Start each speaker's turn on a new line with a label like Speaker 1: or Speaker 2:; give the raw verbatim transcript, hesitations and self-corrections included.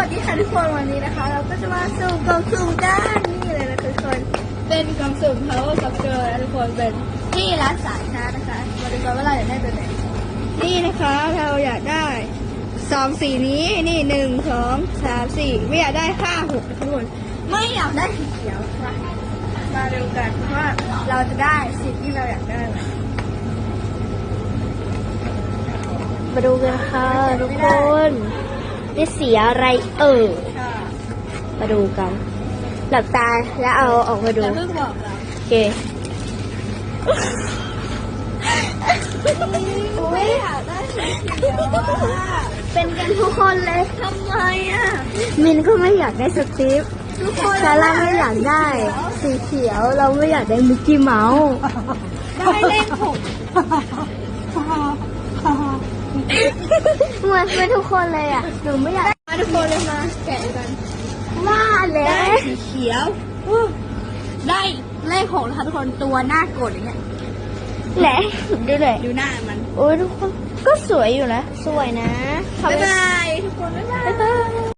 Speaker 1: สดีค่ะทุกคนวันนี้นะคะเราก็จะมาสุ่มกล่องสุ่มกันนี่เลยนะทุกคนเป็นกล่องสุ่ม Power Soccer นะทุกคนเป็นที่ร้านสายชาร์จนะคะมาดูกันว่าเราอยากได้ตัวไหนนี่นะคะเราอยากได้สองสีนี้นี่หนึ่งสองสามสี่ไม่อยากได้ห้าหกทุกคนไม่อยากได้สีเขียวค่ะมาดูกันว่าเราจะได้สิ่งที่เราอยากได้ไหม
Speaker 2: มาดูกันค่ะทุกคนได้สีอะไรเอ่ย
Speaker 1: ค่ะ
Speaker 2: มาดูกันหลับตาแล้วเอาออกมาดู
Speaker 1: แต่เพิ่งบอกเรา
Speaker 2: โอเค
Speaker 1: ไม่อยากได้สีเขียวอะ
Speaker 2: เป็นกันทุกคนเลย
Speaker 1: ทำไมอ่ะ
Speaker 2: มินก็ไม่อยากได้สตีฟ
Speaker 1: ทุกคน
Speaker 2: ซาร่าไม่อยากได้สีเขียวเราไม่อยากได้มิกกี้เมาส์
Speaker 1: ได้เลขหก
Speaker 2: เหมือนเป็นทุกคนเลยอ่ะหนูไม่อยาก
Speaker 1: มาทุกคนเลยมาแกะกัน
Speaker 2: ว่าเล
Speaker 1: ได้
Speaker 2: ย
Speaker 1: สีเขียวอู้ได้เลขหกนะคะทุกคนตัวหน้ากดอย่างเงี้ย
Speaker 2: แหละดูเลย
Speaker 1: ดูหน้ามัน
Speaker 2: โอ้ยทุกคนก็สวยอยู่นะสวยนะ
Speaker 1: บ๊ายบายทุกคนบ๊ายบาย
Speaker 2: บ๊ายบาย